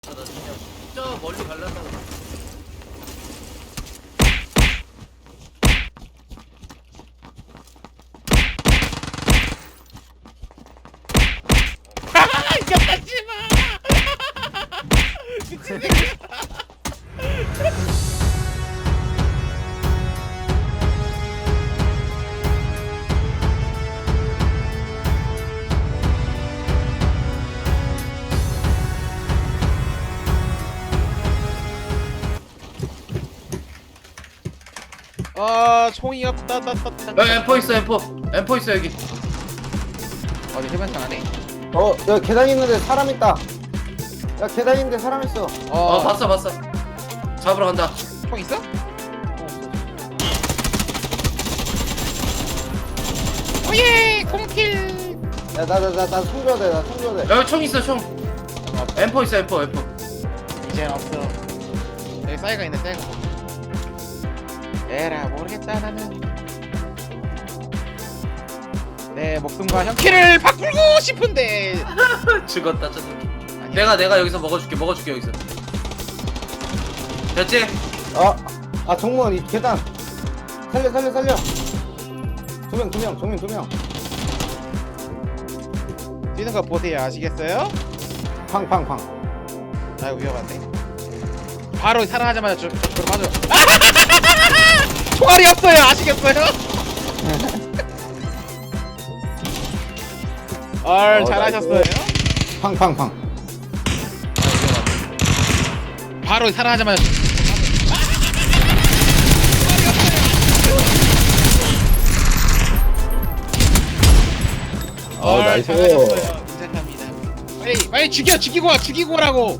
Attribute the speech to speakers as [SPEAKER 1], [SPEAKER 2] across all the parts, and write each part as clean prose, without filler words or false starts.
[SPEAKER 1] 나 진짜 멀리 갈란다고.
[SPEAKER 2] 이겼다 씨발. 미친 새끼. 총이 없다.
[SPEAKER 1] 야 M4 있어 M4 있어 여기.
[SPEAKER 2] 어디 해변장 안에?
[SPEAKER 3] 야 계단 있는데 사람 있다. 야 계단 있는데 사람 있어.
[SPEAKER 1] 봤어 잡으러 간다.
[SPEAKER 2] 총 있어? 오예 공킬.
[SPEAKER 3] 야 나 숨겨야 돼. 나 숨겨야 돼.
[SPEAKER 1] 여기 총 있어 총. M4 있어 M4.
[SPEAKER 2] 이제 없어. 여기 싸이가 있네 싸이가. 에라 모르겠다 나는. 내 목숨과 형키를 바꾸고 싶은데.
[SPEAKER 1] 죽었다 저 새끼. 내가 여기서 먹어줄게 여기서. 됐지?
[SPEAKER 3] 아 정무원 이 계단. 살려. 두 명.
[SPEAKER 2] 뛰는 거 보세요 아시겠어요?
[SPEAKER 3] 팡팡팡.
[SPEAKER 2] 아이고 위험한데. 바로 살아나자마자 저 맞아. 총알이 없어요 아시겠어요? 잘하셨어요.
[SPEAKER 3] 팡팡팡.
[SPEAKER 2] 바로 살아나자마자
[SPEAKER 3] 나이스.
[SPEAKER 2] 잘하셨어요. 인정합니다. 빨리 죽이고 오라고.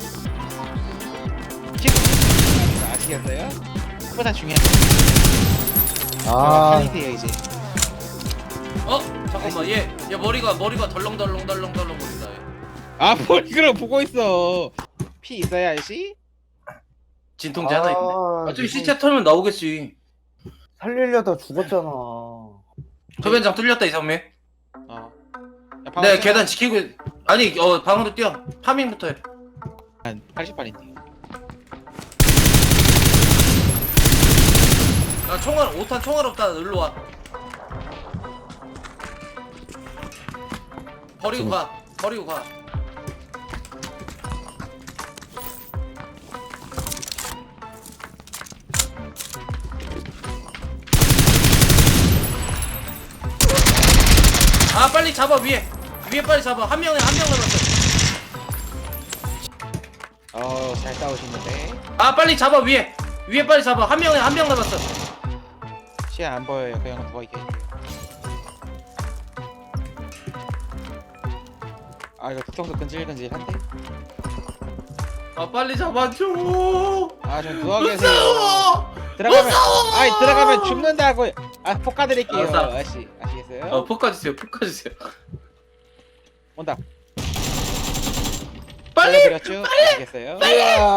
[SPEAKER 2] 아시겠어요? 그보다 중요한
[SPEAKER 3] 아
[SPEAKER 2] 편이세요 이제.
[SPEAKER 1] 잠깐만 얘 머리가 덜렁덜렁 거린다 얘.
[SPEAKER 2] 아 머리그럼 보고 있어. 피 있어야 알지?
[SPEAKER 1] 진통제 하나 있네. 저기 시체 털면 나오겠지.
[SPEAKER 3] 살리려다 죽었잖아.
[SPEAKER 1] 소변장 뚫렸다 이상민.
[SPEAKER 2] 야,
[SPEAKER 1] 네 계단 지키고 아니 방으로 뛰어. 파밍부터 해.
[SPEAKER 2] 80발인데.
[SPEAKER 1] 나 총알 5탄 총알 없다. 일로 와. 버리고 가. 빨리 잡아 위에 빨리 잡아. 한 명 남았어.
[SPEAKER 2] 잘 싸우시는데.
[SPEAKER 1] 빨리 잡아 위에 빨리 잡아. 한 명 남았어.
[SPEAKER 2] 시야 안 보여요. 그 형은 누워 있게. 이거 뒤통수 근질근질한데.
[SPEAKER 1] 빨리 잡아줘.
[SPEAKER 2] 좀 누워 계세요.
[SPEAKER 1] 무서워.
[SPEAKER 2] 들어가면
[SPEAKER 1] 무서워.
[SPEAKER 2] 들어가면 죽는다고. 폭 까드릴게요.
[SPEAKER 1] 알았어.
[SPEAKER 2] 아시겠어요?
[SPEAKER 1] 폭 까주세요.
[SPEAKER 2] 온다.
[SPEAKER 1] 빨리
[SPEAKER 2] 잘라드렸죠? 아시겠어요?
[SPEAKER 3] 빨리.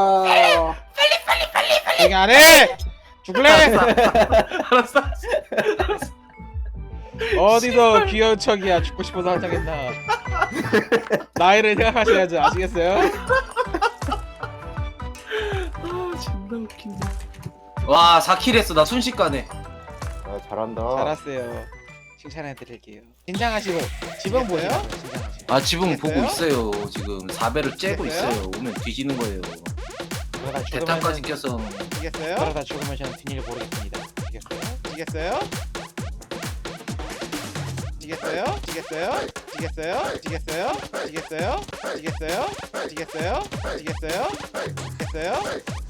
[SPEAKER 2] 여기 안해. 죽을래?
[SPEAKER 1] 알았어.
[SPEAKER 2] 어디서 귀여운 척이야. 죽고 싶어서 한장했나. 나이를 생각하셔야죠. 아시겠어요?
[SPEAKER 1] 존나 웃긴다. 와 4킬 했어. 나 순식간에.
[SPEAKER 3] 잘한다.
[SPEAKER 2] 잘했어요. 칭찬해드릴게요. 긴장하시고 지붕 보세요. 긴장하시고.
[SPEAKER 1] 지붕 보고
[SPEAKER 2] 됐어요?
[SPEAKER 1] 있어요. 지금 4배를 째고
[SPEAKER 2] 됐어요?
[SPEAKER 1] 있어요. 오면 뒤지는 거예요.
[SPEAKER 2] 그러다
[SPEAKER 1] 대탄까지
[SPEAKER 2] 죽으면
[SPEAKER 1] 껴서.
[SPEAKER 2] 아시겠어요? 그러다 죽으면 저는 뒷일 모르겠습니다. 아시겠어요? 아시겠어요?